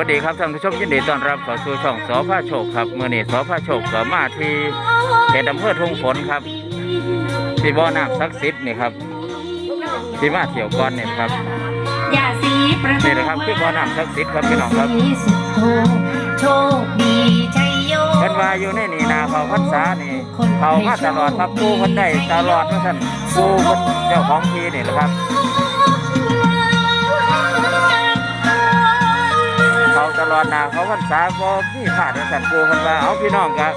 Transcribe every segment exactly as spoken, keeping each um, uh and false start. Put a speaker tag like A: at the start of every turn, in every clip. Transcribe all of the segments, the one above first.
A: วัสดีครับท่านผู้ชมยินดีต้อนรับเข้าสู่ช่องสอพาโชคครับเมื่อนี้สอพาโชคก็มาที่เขตอำเภอทุ่งฝนครับที่บ่อน้ำศักดิ์สิทธิ์นี่ครับที่มาเที่ยวก่อนนี่ครับนี่นะครับคือบ่อน้ำศักดิ์สิทธิ์ครับพี่น้องครับ
B: โชคดีชัยโย
A: เพิ่นว่าอยู่ในนี่นาเขาพรรษานี่เขามาตลอดครับปูเพิ่นได้ตลอดว่าท่านปูเพิ่นเจ้าของที่นี่แหละครับเขาตลอดนาเขาพรรษาบ่มีพลาดว่าท่านปูเพิ่นว่าเอาพี่น้องครับ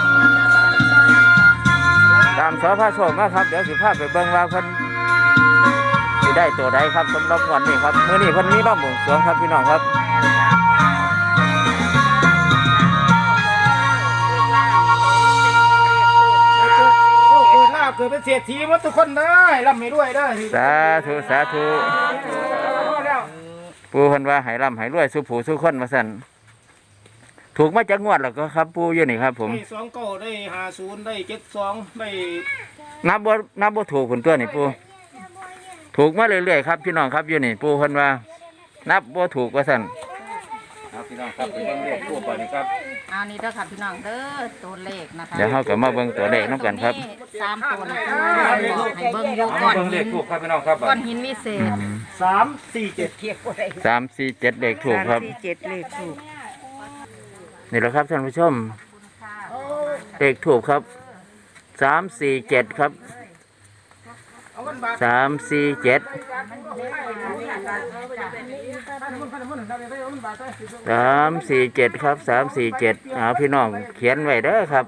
A: ตามสอพาโชคมาครับเดี๋ยวสิพาไปเบิ่งว่าเพิ่นสิได้ตัวใดครับสำหรับวันนี้ครับมื้อนี้เพิ่นมีรอบหมู่สวงครับพี่น้องครับ
C: เกิดเป็นเศรษฐีหมดทุกคนได้ร่ำให้ด้วยได้
A: สาธุสาธุปู่เพิ่นว่าให้ร่ำให้รวยสุผู้สุคนว่าซั่นถูกมาจากงวดแล้วก็ครับปู่อยู่นี่ครับผม
C: ได้สองเก้าได้ห้าศูนย์ได้เจ็ดสองได้
A: นับบ่นับบ่ถูกคนตัวนี่ปู่ถูกมาเรื่อยๆครับพี่น้องครับอยู่นี่ปู่เพิ่นว่านับบ่ถูกว่าซั่นครับพี่น้องครับไปเบิ่งเลขปู่ก่อนนี่ครับ
B: เอานี่เด้อค่ะพี่น้องเด้อตัวเลขนะคะ
A: เดี๋ยวเฮาก็มาเบิ่งตัวเลขนำกันครับ
B: สามตัวนะให้เบิ่งอยู่ก่อน
A: เบิ่งเลขถูกครับพี่น้องครับ
B: ก้อนหินวิเศษ
C: สามสี่เจ็ดเทียบบ่ได้
A: สามสี่เจ็ดเลขถูกครับ
B: สี่เจ็ดเลขถูก
A: นี่แหละครับท่านผู้ชมเลขถูกครับสามสี่เจ็ดครับสามสี่เจ็ดสามสี่เจ็ดครับสามสี่เจ็ดเอาพี่น้องเขียนไว้เด้อครับ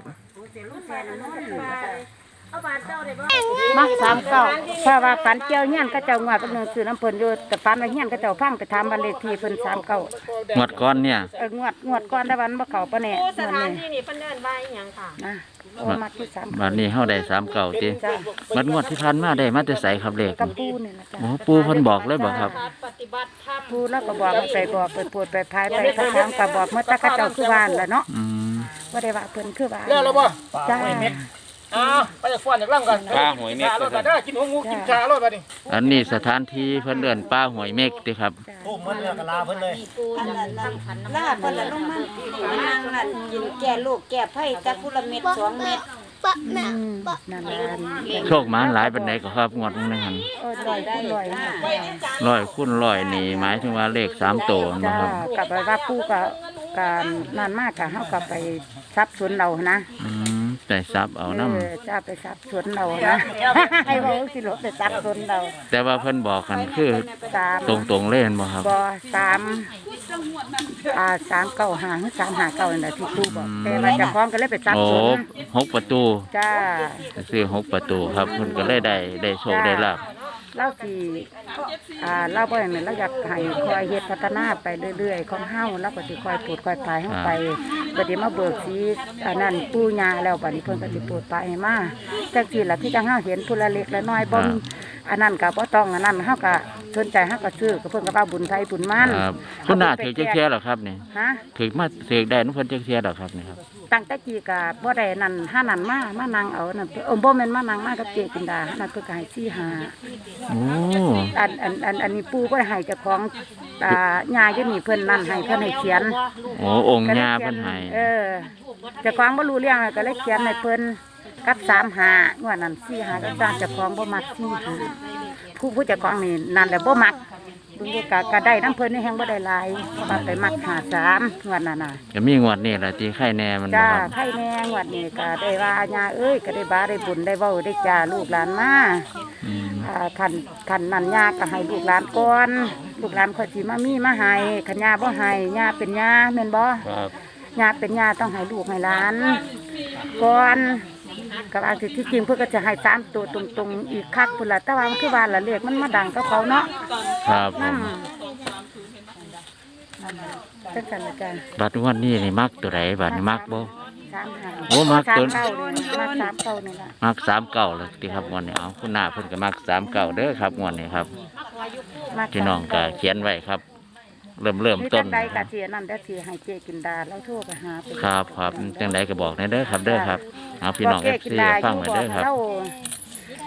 B: มาสามเก้าเพราะว่าฝันเจ้าเงี้ยนก็เจ้างวดก็เนื้อคือน้ำเพิ่นอยู่แต่ฝันว่าเงี้ยนก็เจ้าฟังไปถามบันเลขที่เพิ่นสามเก้าง
A: วดก้อนเนี่ย
B: เอองวดงวดก้อนได้วันบ่เข้าปะเนี่ย
D: สถานที่นี่เพิ่นเดินไปหยังค่ะ
B: นะโอ้มาที่สาม
A: วันนี้เฮาได้สามเก้าติมันงวดที่ผ่านมาได้มาแต่ไสครับเลข
B: กับปูนี่นะจ๊ะ
A: โอ้ปูเพิ่นบอกเลยบอกครับ
D: ปฏิบัติธรรม
B: ปูแล้วก็บอกไปบอกไปปวดไปพายไปทั้งทางก็บอกเมื่อตะกะเจ้าคือว่านแหละเนาะ
A: อืม
B: บ่ได้ว่าเพิ่นคือว่าน
C: เลิกแล้วบ่
B: จ้า
C: อ้าวไปจากฟ้อนจากล่ำกัน
A: ป้าหวยเม็ก
C: รถมาเด้อกินหัวงูกินชารถมาดิ
A: อันนี้สถานที่เพิ่นเอิ้นป้าหวยเม็กติครับ
C: โอ้เพิ่นเลิกกะลาเพิ่นเลย
D: ลาเพิ่นละลงมานั่งนั่นกินแก่ลูกแก่ไผ่จักพุละเม็ดสองเม็ด
B: ปะแม่ปะนั่นล่ะ
A: โชคหมานหลายปานใดก็ครับงวดนึงหั่น
B: โอ้ร้อยได้ร้อย
A: ร้อยคูณร้อยนี่หมายถึงว่าเลขสามตัวนะครับ
B: กับว่าปูก็การนั่นมากก็เฮาก็ไปทรัพย์สวนเรานะ
A: อืมได้ทรัพย์เอานำ
B: เออจ้าไปทรัพย์สวนเรานะให้เว้าสิรถไปทรัพย์สวนเรา
A: แต่ว่าเพิ่นบอกกันคือตรงๆเลยบ่ครับ
B: บ่สามอ่าสามเก้าห้าหรือสามห้าเก้านั่นแหละที่ครูบอกแต่ว่าเจ้าของก็เลยไปทรัพย์สวน
A: โอ้หกประตู
B: จ้า
A: ซื้อหกประตูครับเพิ่นก็เลยได้ได้โชคได้ลาภ
B: เราสิอ่าเราบ่อย่างนั้นเราอยากให้คอยเฮ็ดพัฒนาไปเรื่อยๆของเฮาแล้วก็สิคอยปลูกคอยพายเฮาไปบัดนี้มาเบิกสีอันนั้นปู่ย่าแล้วบัดนี้เพิ่นก็สิปลูกไปให้มาจังซี่ล่ะที่จังเฮาเห็นผู้ละเล็กละน้อยบ่อันนั้นก็บ่ต้องอันนั้นเฮาก็สนใจเฮาก็ซื้อก็เพิ่นก็ว่าบุญไทยบุญมัน
A: ครับคุณน่าถือจักเที่ยเหรอครับนี่
B: ฮะ
A: ถือมาถือได้นำเพิ่นจักเที่ยเหรอครับนี่ครับ
B: ตั้งแต่กี้ก็บ่ได้นั่นหานั่นมามานั่งเอานั่นเออบ่แม่นมานั่งมากับเจจินดานั่นเพิ่นก็ให้สี่ห้า
A: โอ้
B: อันอันอันอันนี้ปู่ก็ให้เจ้าของอ่าย่าอยู่นี่เพิ่นนั่นให้เพิ่นให้เขียน
A: โอ้องค์ย่าเพิ่นให้
B: เออเจ้าของบ่รู้เรื่องก็เลยเขียนให้เพิ่นกับสามห้างวดนั้นสี่ห้าก็ตามเจ้าของบ่มักสี่ห้าผู้ผู้เจ้าของนี่นั่นแหละบ่มักเบิ่งก็ก็ได้นำเพิ่นนี่แฮงบ่ได้หลายเพราะว่าไปมักห้าสามงวดนั้นน่ะ
A: ก็มีงวดนี้ล่ะที่ไข่แน่มัน
B: จ้าไข่แน่งวดนี้ก็ได้ว่าย่าเอ้ยก็ได้บาได้บุญได้เว้าได้จ้าลูกหลานมาอ่าท่านท่านนั่นย่าก็ให้ลูกหลานก่อนลูกหลานค่อยสิมามีมาให้คันย่าบ่ให้ย่าเป็นย่าแม่นบ่
A: ครับ
B: ย่าเป็นย่าต้องให้ลูกให้หลานก่อนก็บางทีที่จริงเพื่อก็จะให้สามตัวตรงๆอีกคักพุ่นละแต่ว่ามันคือว่าละเลขมันมาดังก็เขาเนาะ
A: ครับผม
B: จังซั่นละจ้ะ
A: บัดวันนี้นี่มักตัวใดบัดนี่มักบ่
B: สามห้า
A: โอ้มักตัว
B: มักสามเก้านี่ล่ะ
A: มักสามเก้าเลยติครับงวดนี้เอาคุณหน้าเพิ่นก็มักสามเก้าเด้อครับงวดนี้ครับพี่น้องก็เขียนไว้ครับเริ่มเริ่มต้น
B: ใดกะเทียนั่นได้ทีให้เจกินดาแล้วโทรไปหา
A: ครับครับจังไดก็บอกในเด้อครับเด้อครับเอาพี่น้อง เอฟ ซี ฟังไว้เด้อครับ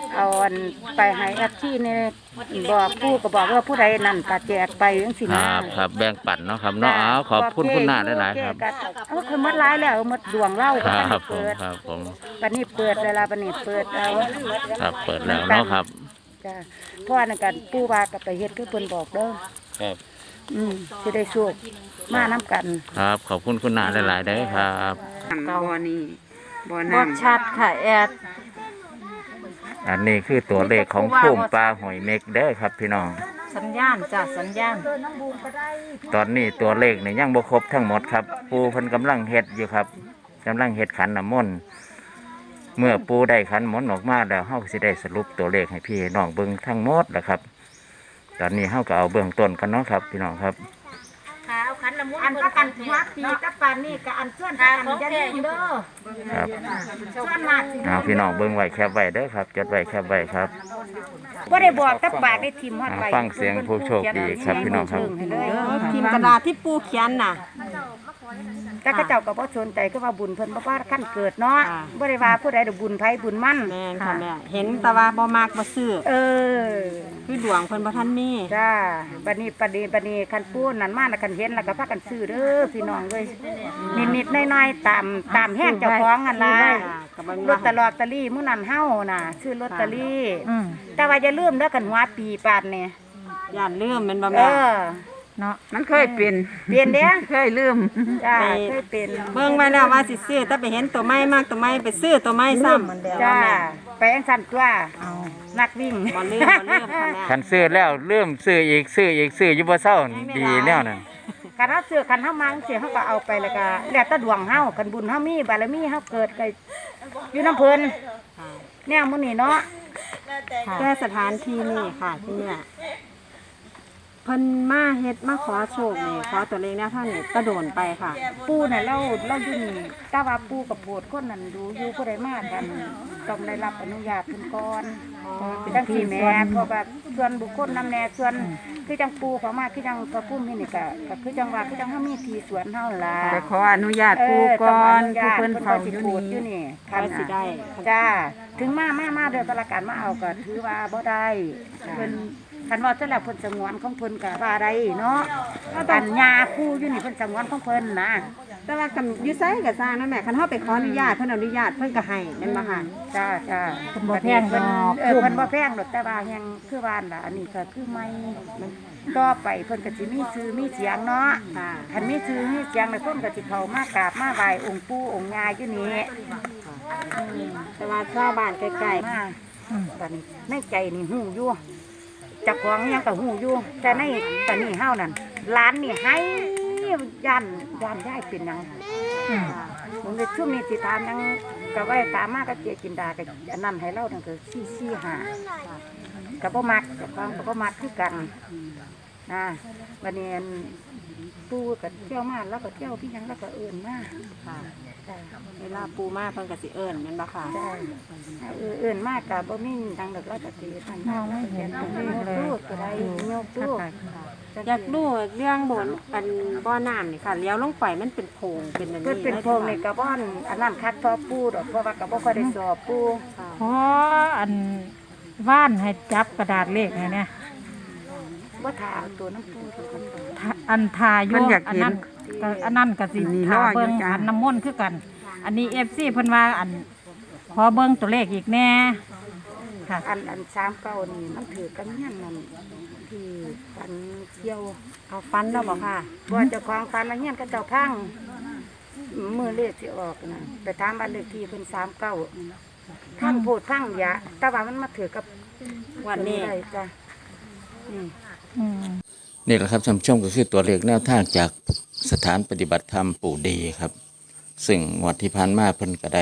B: เอาอันไปให้แอปที่นี่บอกผู้ก็บอกว่าผู้ใดนั่นก็แจกไปจังซี่
A: ค
B: นะ
A: รับครับแบ่งปันเนาะครับเนาะเอาขอบคุณคุณนาหลายๆครับ
B: เอาคือหมดหลายแล้วหมดดวงเล่า
A: ค
B: ก็
A: รับผม
B: เปิด
A: ครับผม
B: บัดนี้เปิดเวลาบัดนี้เปิดเอา
A: ครับเปิดแล้วเนาะครับ
B: จ้ะเพราะว่านั่นกันปู่ว่าก็ไปเฮ็ดคือเพิ่นบอกเด้อ
A: ครับ
B: อืมสิได้โชคมานํกัน
A: ครับขอบคุณคุณนาหลายๆเด้อครับ
E: บ่อนี่บ่อ
D: บ่
E: น้ำ
D: ชัดค่ะแอด
A: อันนี้คือตัวเลขของพุ่มปลาหอยเม็กเด้อครับพี่น้อง
D: สัญญาณจ้ะสัญญาณ
A: ตอนนี้ตัวเลขนี่ยังบ่ครบทั้งหมดครับ ปูเพิ่นกำลังเฮ็ดอยู่ครับกำลังเฮ็ดขันน้ำมนต์เมื่อปูได้ขันมนต์ออกมาแล้วเฮาก็สิได้สรุปตัวเลขให้พี่น้องเบิ่งทั้งหมดแล้วครับ ตอนนี้เฮาก็เอาเบื้องต้นกันเนาะครับ พี่น้องครับ
D: เอาขันละมุน
B: อันประกันหัวปีกับปานนี้ก็อันส่วนประกันอย่าลืมเด้อ
A: ครับ
B: ส่วนมากสิ
A: เอาพี่น้องเบิ่งไว้แคบไว้เด้อครับจดไว้แคบไว้ครับ
B: บ่ได้บอกกับปากได้ทิมฮอดไป
A: ฟังเสียงผู้โชคดีครับพี่น้องครับ
B: ให้เลย
D: พิมพ์กระดาษที่ปูเขียนน่ะ
B: แต่เขาเจ้าก็บ่สนใจคือว่าบุญเพิ่นบ่ว่าขั้นเกิดเนาะ
D: ค่ะ
B: บ่ได้ว่าผู้ใดดอกบุญไผบุญมัน
D: แม่นค่ะแม่เห็นแต่ว่าบ่มากบ่ซื้อ
B: เออ
D: คือดวงเพิ่นบ่ทันมี
B: จ้าบัดนี้บัดนี้บัดนี้คันปูนั่นมาแล้วคันเห็นแล้วก็พากันซื้อเด้อพี่น้องเอ้ยนิดๆน้อยๆตามตามแห้งเจ้าของนั่นล่ะ
D: ก็บ่มี
B: ลอตเตอรี่ตอรี่มื้อนั้นเฮาน่ะซื้อลอตเตอรี่
E: อืม
B: แต่ว่าอย่าลืมเด้อคันหัวปีปานนี่
D: ย่านลืมแม่นบ่
B: เอ
D: แม่
B: อ
E: เนาะมันเคยเป็น
B: เปลี่ยนเด้อ
E: เคยลืม
B: จ้าเคยเป็น
D: เบิ่งไว้แล้วว่าสิซื้อแต่ไปเห็นตัวใหม่มากตัวใหม่ไปซื้อตัวใหม่ซ้ำ
B: จ้าไปอังสันตัวนักวิ่ง
D: บ่ลืมบ่ลืมค่ะแม่
A: คันซื้อแล้วเริ่มซื้ออีกซื้ออีกซื้ออยู่บ่เศร้าดีแนวนั้น
B: คันเฮาซื้อคันเฮามังสิเฮาก็เอาไปแล้วก็แล้วแต่ดวงเฮาคันบุญเฮามีบารมีเฮาเกิดก็อยู่น้ำเพิ่นแนวมื้อนี้เนาะ
D: แก้สถานที่นี่ค่ะที่เนี่ยเพิ่นมาเฮ็ดมาขอโชคนี่ขอตัวเลขแนวทางนี่ก็โดนไปค่ะ
B: ปู่น่ะเราเราอยู่นี่แต่ว่าปู่กับโพดคนนั้นดูอยู่ผู้ใดมากันต้องได้รับอนุญาตเพิ่นก่อนจังซี่แหม่เพราะว่าส่วนบุคคลนำแน่ส่วนคือจังปู่เขามาคือจังพระพุ่มนี่นี่ก็ก็คือจังว่าคือจังเฮามีที่สวนเฮาล่ะ
E: ไปขออนุญาตปูก่อนผู้เพิ่นเฝ้าอยู่
B: อยู่
E: นี่
B: นี่
D: ใครสิได้
B: จ้าถึงมามามาเดือนตะละการมาเอาก็ถือว่าบ่ได้เพิ่นคันว่าเสร็จแล้วเพิ่นสงวนของเพิ่นก็ว่าได้เนาะอันยาคู่อยู่นี่เพิ่นสงวนของเพิ่นนะ
D: แต่ว่ากันอยู่ไสก็สร้างนั่นแหละคันเฮาไปขออนุญาตเพิ่นอนุญาตเพิ่นก็ให้แม่นบ่ค่ะ
B: จ้าจ้า
E: เพิ่นบ่แพงดอก
B: เออเพิ่นบ่แพงดอกแต่ว่ายังคือว่านล่ะอันนี้ก็คือไม่มันต่อไปเพิ่นก็สิมีชื่อมีเสียงเนาะ
D: ค่ะ
B: คันมีชื่อมีเสียงแล้วเพิ่นก็สิเข้ามากราบมาไหว้องค์ปู่องค์ย่าอยู่นี่อืม
D: แต่ว่าชาวบ้านใกล้
B: มาบัดนี้ในใจนี่หูอยู่จักของยังก็หูอยู่แต่ในตอนนี้เฮานั่นร้านนี่ให้ย่านย่านได้เป็นหยังผมในช่วงนี้สิถามหยังก็ไว้ตามมาก็เจกินดาก็อันนั้นให้เรานั่นคือสี่สี่ห้าก็บ่มักกับฟังก็บ่มักคือกันนะบัดนี้อันปู่ก็เที่ยวมาแล้วก็เที่ยวพี่หยังแล้วก็เอิ้นมา
D: ๆค่ะ
B: จ้ะ
D: เวลาปูมาเพิ่นก็สิเอิ้นแม่นบ่ค่ะ
B: ใช่เออเอื่นมากกับบ่มีทางดอกเราจะตีทันมองไม่เห็นตรงนี้เลยตู้อะไรโยกตู้
D: อยากรู้เรื่องบนอันบ่อน้ำนี่ค่ะเลี้ยวลงไปมันเป็นโพรงเป็นอัน
B: เพื่อ
D: นี้
B: เป็นโพรงในกระบ้อนอันนั้นคัดพอปูดอกเพราะว่ากับบ่ค่อยได้สอบปู
E: ขออันว่านให้จับกระดาษเลขให้เนี่ย
B: บ่ถามตัวน้ำปูทุกคน
E: ถ้าอันทาอ
C: เพิ่
E: ยู่
C: นอยาก
E: อัน
C: เห็น
E: นั้นก็อันนั้นก็สิ
C: นี่
E: ทาร
C: ออยู่
E: เบิ่ง
C: จ้ะ
E: อันน้ำมนต์คือกัน อันนี้ เอฟ ซี เพิ่นว่าอันขอเบิ่งตัวเลขอีกแน่ค่ะ
B: อันอันสามเก้านี่มันถือกันเงี้ยนั่นที่ฟันเที่ยว
D: เอาฟันแล้วบ่ค่ะ
B: บ่เจ้าของฟันละเงี้ยก็เจ้าพังมือเลขสิออกนะไปถามบ้านเลขที่เพิ่นสามเก้าพังโพดพังยะแต่ว่ามันมาถือกับ
D: วันนี้
B: ได้จ้ะนี่
E: อืม
A: นี่แหละครับท่านผู้ชมก็คือตัวเลขแนวทางจากสถานปฏิบัติธรรมปู่ดีครับ ซึ่งงวดที่ผ่านมาเพิ่นก็ได้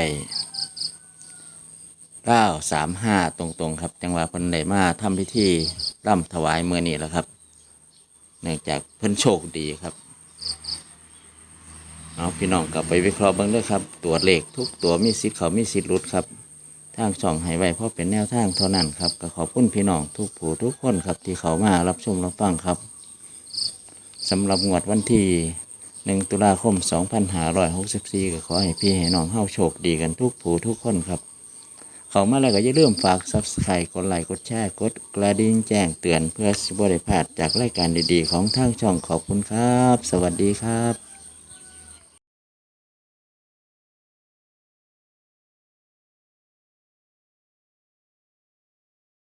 A: เก้าสามห้าตรงๆครับจังหวะเพิ่นได้มาทำพิธีร่ำถวายเมื่อนี้แหละครับ เนื่องจากเพิ่นโชคดีครับเอาพี่น้องกลับไปวิเคราะห์เบิ่งด้วยครับ ตัวเลขทุกตัวมีสิทธิ์เขามีสิทธิ์หลุดครับทางช่องให้ไว้เพราะเป็นแนวทางเท่านั้นครับก็ขอบคุณพี่น้องทุกผู้ทุกคนครับที่เขามารับชมรับฟังครับสำหรับงวดวันที่หนึ่งตุลาคมสองพันห้าร้อยหกสิบสี่ก็ขอให้พี่ให้น้องเฮาโชคดีกันทุกผู้ทุกคนครับเข้ามาแล้วก็อย่าลืมฝาก ซับสไครบ์ กดไลค์กดแชร์กดกระดิ่งแจ้งเตือนเพื่อสิบ่ได้พลาดจากรายการดีๆของทางช่องขอบคุณครับ สวัสดีครับ